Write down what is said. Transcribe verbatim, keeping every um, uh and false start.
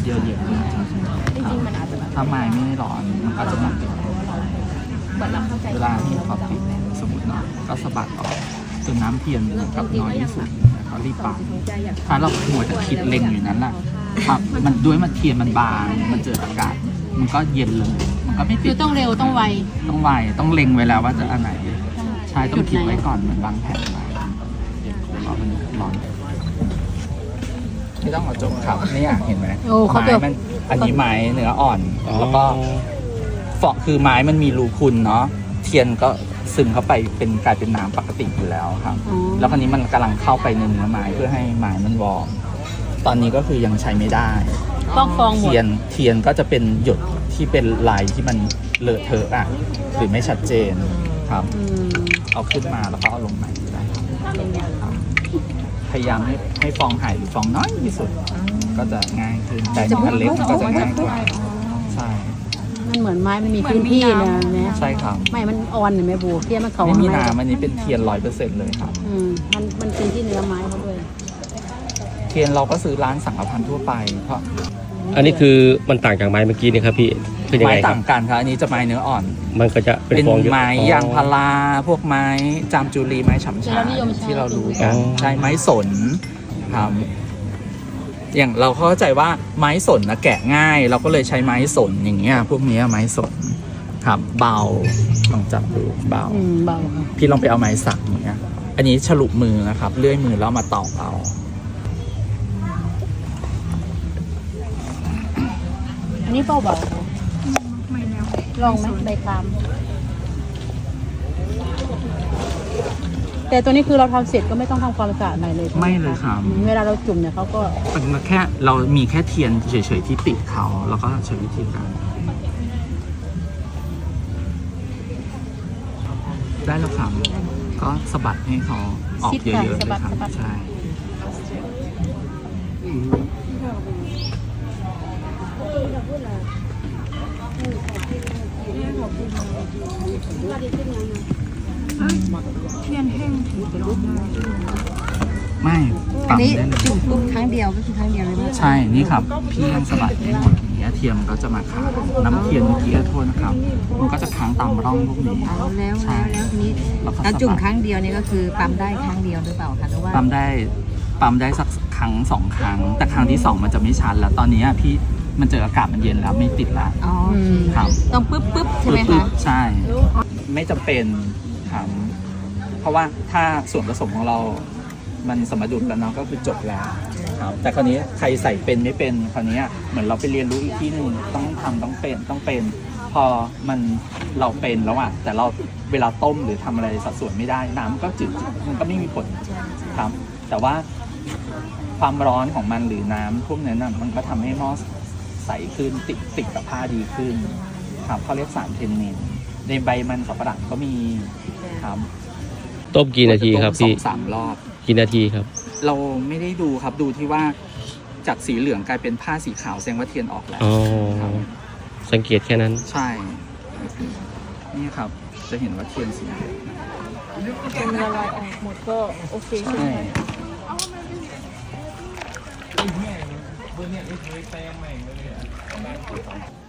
เย็นๆจริงๆมันอาจจะถ้าไม้ไม่ร้อนมันก็จะมาติดเวลาที่เขาติดสมมติเนาะก็สะบัดออกจนน้ำเทียนกับน้อยที่สุดเขารีบปัดถ้าเราหัวจะคิดเล็งอยู่นั้นแหละครับมันด้วยมันเทียนมันบางมันเจออากาศมันก็เย็นเลยมันก็ไม่ติดคือต้องเร็วต้องไวต้องไวต้องเล็งไว้แล้วว่าจะอันไหนใช่ต้องคิดไว้ก่อนเหมือนวางแผนไว้เพราะมันร้อนไม่ต้องเอาจบครับนี่เห็นไหมไม้มันอันนี้ไม้เนื้ออ่อนแล้วก็เฟาะคือไม้มันมีรูพุนเนาะเทียนก็ซึมเข้าไปเป็นกลายเป็นน้ำปกติอยู่แล้วครับแล้วคราวนี้มันกำลังเข้าไปในเนื้อไม้เพื่อให้ไม้มันวอร์มตอนนี้ก็คือยังใช้ไม่ได้ต้องฟองหมดเทียนเทียนก็จะเป็นหยดที่เป็นลายที่มันเลอะเทอะอ่ะหรือไม่ชัดเจนครับเอาขึ้นมาแล้วก็เอาลงใหม่ได้พยายามให้ให้ฟองหายหรือฟองน้อยที่สุดก็จะง่ายขึ้นแต่อันเล็กก็จะง่ายกว่าใช่มันเหมือนไม้มันมีพื้นที่นะเนี่ยใช่ครับไม่มันอ่อนเนี่ยแม่บูเทียนมันเขาไม่มีน้ำอันนี้เป็นเทียนร้อยเปอร์เซ็นต์เลยครับอืมมันมันเป็นที่เนื้อไม้เขาด้วยเทียนเราก็ซื้อร้านสังฆพันธ์ทั่วไปเพราะอันนี้คือมันต่างจากไม้เมื่อกี้นี่ครับพี่คือยังไงครับไม้ต่างกันครับอันนี้จะไม้เนื้ออ่อนมันก็จะเป็นฟองเยอะไม้ยางพาราพวกไม้จามจุลีไม้ฉ่ำชาที่เรารู้กันใช่ไม้สนครับอย่างเราเข้าใจว่าไม้สนนะแกะง่ายเราก็เลยใช้ไม้สนอย่างเงี้ยพวกนี้ไม้สนครับเบาลองจับดูเบาเบาพี่ลองไปเอาไม้สักอย่างเงี้ยอันนี้ฉลุมือนะครับเลื่อยมือแล้วมาตอกเอาอันนี้เบาเบาลองไหมใบคามแต่ตัวนี้คือเราทำเสร็จก็ไม่ต้องทำความสะอาดใหม่เลยไม่เลยครับเวลาเราจุ่มเนี่ยเขาก็เป็นแค่เรามีแค่เทียนเฉยๆที่ติดเขาแล้วก็ใช้วิธีการได้แล้วครับก็สะบัดให้เขาออกเยอะๆเลยครับใช่เทียนแห้งถือเป็นรูปไม่อันนี้จุ่มปุ๊บครั้งเดียวก็คือครั้งเดียวเลยใช่นี่ครับพี่ยังสะบัดให้หมดอย่างเงี้ยเทียมก็จะมาค้างน้ำเทียนเมื่อกี้โทษนะครับมันก็จะค้างตามร่องพวกนี้แล้วแล้วแล้วทีนี้เราจุ่มครั้งเดียวนี่ก็คือปั๊มได้ครั้งเดียวหรือเปล่าคะหรือว่าปั๊มได้ปั๊มได้สักครั้งสองครั้งแต่ครั้งที่สองมันจะไม่ชันแล้วตอนนี้พี่มันเจออากาศมันเย็นแล้วไม่ติดละอ๋อครับต้องปึ๊บปึ๊บใช่ไหมคะใช่ไม่จำเป็นครับเพราะว่าถ้าส่วนผสมของเรามันสมดุลกันเนาะก็คือจบแล้วครับแต่คราวนี้ใครใส่เป็นไม่เป็นคราวนี้เหมือนเราไปเรียนรู้อีกที่หนึ่งต้องทำต้องเป็นต้องเป็นพอมันเราเป็นแล้วอ่ะแต่เราเวลาต้มหรือทำอะไรสัดส่วนไม่ได้น้ำก็จืดมันก็ไม่มีผลครับแต่ว่าความร้อนของมันหรือน้ำพวกนั้นมันก็ทำให้หม้อใสขึ้นติดติดกับผ้าดีขึ้นครับเขาเรียกสารเทนนินในใบมันสับปะรดก็มีครับต้มกี่นาทีครับพี่สองสามรอบกี่นาทีครับเราไม่ได้ดูครับดูที่ว่าจากสีเหลืองกลายเป็นผ้าสีขาวแสดงว่าเทียนออกแล้วอ๋อสังเกตแค่นั้นใช่นี่ครับจะเห็นว่าเทียนสีเหลืองเป็นละลายออกหมดก็โอเคใช่ไหม